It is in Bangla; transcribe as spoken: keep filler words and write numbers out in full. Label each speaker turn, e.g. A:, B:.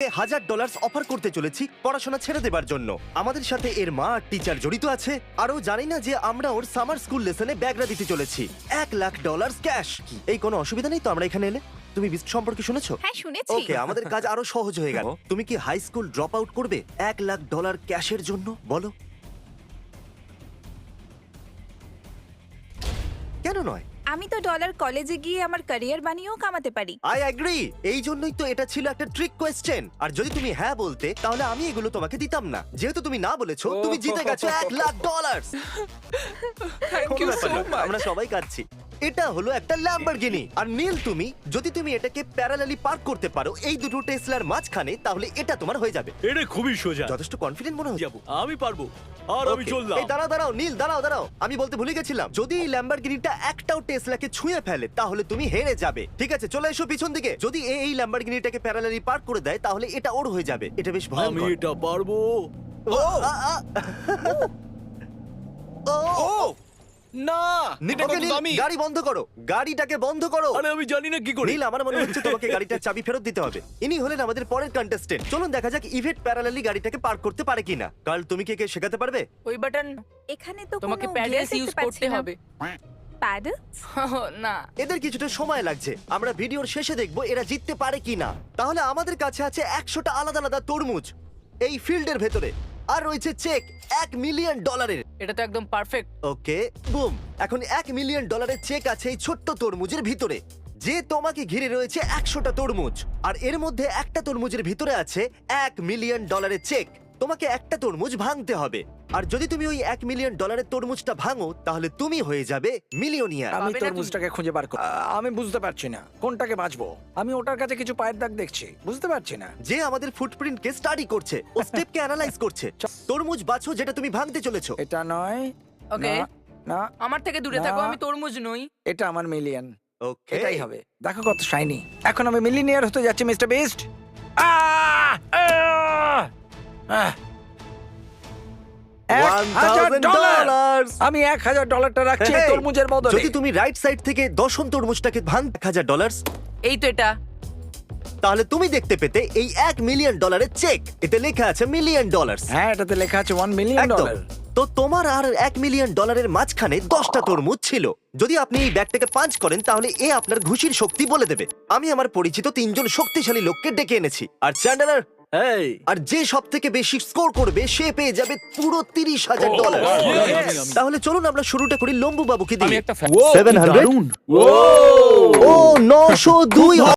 A: হাজার ডলার অফার করতে চলেছি পড়াশোনা ছেড়ে দেবার জন্য। আমাদের সাথে এর মা আর টিচার জড়িত আছে। আরও জানি না যে আমরা ওর সামার স্কুল লেসনে ব্যাগরা দিতে চলেছি এক লাখ ডলার ক্যাশ। এই কোনো অসুবিধা নেই তো আমরা এখানে এলে? তুমি বিস্ট সম্পর্কে শুনেছো?
B: হ্যাঁ শুনেছি।
A: ওকে, আমাদের কাজ আরো সহজ হয়ে গেল। তুমি কি হাই স্কুল ড্রপ আউট করবে এক লাখ ডলার ক্যাশের জন্য? বলো কেন নয়?
B: আমি তো ডলার কলেজে গিয়ে আমার ক্যারিয়ার বানিয়েও কামাতে পারি।
A: I agree. এই জন্যই তো এটা ছিল একটা ট্রিক কোয়েশ্চেন। আর যদি তুমি হ্যাঁ বলতে তাহলে আমি এগুলো তোমাকে দিতাম না। যেহেতু তুমি না বলেছো, তুমি জিতে গেছো এক lakh dollar.
C: Thank you so much.
A: আমরা সবাই কাটছি। এটা হলো একটা ল্যাম্বরগিনি। আর নীল, তুমি যদি তুমি এটাকে প্যারালালি পার্ক করতে পারো এই দুটো টেসলার মাঝখানে, তাহলে এটা তোমার হয়ে যাবে।
D: এটা খুবই সোজা।
A: যথেষ্ট কনফিডেন্ট মনে হচ্ছে।
D: যাবো, আমি পারবো। আর আমি
A: Okay,
D: চললাম।
A: এই দাঁড়াও দাঁড়াও নীল, দাঁড়াও দাঁড়াও, আমি বলতে ভুলে গেছিলাম, যদি এই ল্যাম্বরগিনিটা একটাও টেসলাকে ছুঁয়ে ফেলে তাহলে তুমি হেরে যাবে। ঠিক আছে, চলে এসো পিছন দিকে। যদি এ এই ল্যাম্বরগিনিটাকে প্যারালালি পার্ক করে দেয় তাহলে এটা ওর হয়ে যাবে। এটা বেশ
D: আমি
A: ভয়ঙ্কর।
D: এটা পারবো।
A: ও আ, আ। ও
C: ও না, এটা
A: ওকে,
C: কত
A: নীল,
C: দামি।
A: গাড়ি বন্ধ করো, গাড়িটাকে বন্ধ করো।
D: আরে আমি জানি না কি করে।
A: নীল, আমার মনে হচ্ছে তোমাকে গাড়িটার চাবি ফেরত দিতে হবে। ইনি হলেন আমাদের পরের কন্টেস্টেন্ট। চলুন দেখা যাক ইভেট প্যারালালি গাড়িটাকে পার্ক করতে পারে কিনা। কাল তুমি কে কে শেখাতে পারবে?
E: ওই বাটন
B: এখানে তো
E: তোমাকে
B: কোনো
E: প্যাডেলস
B: gear
E: ইউজ
B: দেখতে পাচ্ছি
E: করতে
B: না।
E: হবে।
B: Paddles?
E: না,
A: এদের কিছুটা সময় লাগছে। আমরা ভিডিওর শেষে দেখবো এরা জিততে পারে কিনা। তাহলে আমাদের কাছে আছে একশোটা আলাদা আলাদা তরমুজ এই ফিল্ডের ভেতরে, আর রয়েছে চেক এক মিলিয়ন ডলারের।
E: এটা তো একদম পারফেক্ট।
A: ওকে, বুম। এখন এক মিলিয়ন ডলারের চেক আছে এই ছোট্ট তরমুজের ভিতরে, যে তোমাকে ঘিরে রয়েছে একশোটা তরমুজ। আর এর মধ্যে একটা তরমুজের ভিতরে আছে এক মিলিয়ন ডলারের চেক। তোমাকে একটা তরমুজ ভাঙতে হবে, আর যদি তুমি ওই এক মিলিয়ন ডলারের তরমুজটা ভাঙো তাহলে তুমি হয়ে যাবে মিলিয়নিয়ার।
F: আমি
E: পাবে না তুমি।
F: তরমুজটাকে খুঁজে বার কর। আ- আমি বুঝতে পারছি না কোনটাকে বাঁচবো। আমি ওটার কাছে কিছু পায়ের দাগ দেখছি, বুঝতে পারছি না।
A: যে আমাদের ফুটপ্রিন্টকে স্টাডি করছে, ও স্টেপকে অ্যানালাইজ করছে। তরমুজ বাছো যেটা তুমি ভাঙতে চলেছো।
F: এটা নয়।
E: ওকে,
F: না, না,
E: আমার থেকে দূরে
F: না।
E: থাকো, আমি তরমুজ নই।
F: এটা আমার মিলিয়ন।
A: ওকে,
F: এটাই হবে। দেখো কত শাইনি। এখন আমি মিলিয়নিয়ার হতে যাচ্ছি, মিস্টার বিস্ট।
A: হাজার ডলার।
F: আমি এক হাজার ডলারটা রাখছি এই
A: Hey,
F: তরমুজের বদলে।
A: যদি তুমি রাইট সাইড থেকে দশম তরমুজটাকে ভাঙ এক হাজার ডলার,
E: এই তো এটা।
A: তাহলে তুমি দেখতে পেতে এই এক মিলিয়ন ডলারের চেক। এতে লেখা আছে মিলিয়ন ডলার।
F: হ্যাঁ, এটাতে লেখা আছে ওয়ান মিলিয়ন
A: একদম।
F: ডলার।
A: তো তোমার আর এক মিলিয়ন ডলারের মাঝখানে দশটা তরমুজ ছিল। যদি আপনি এই ব্যাগটাকে পাঞ্চ করেন তাহলে এ আপনার ঘুষির শক্তি বলে দেবে। আমি আমার পরিচিত তিনজন শক্তিশালী লোককে ডেকে এনেছি। আর চ্যান্ডেলার,
D: এই
A: আর যে সব থেকে বেশি স্কোর করবে সে পেয়ে যাবে পুরো তিরিশ হাজার ডলার।
D: আমি, আমি, আমি।
A: তাহলে চলুন আমরা শুরুটা করি লম্বু বাবুকে
C: আমি
A: দিয়ে।
C: একটা
A: সেভেন হান্ড্রেড। ও নশো দুই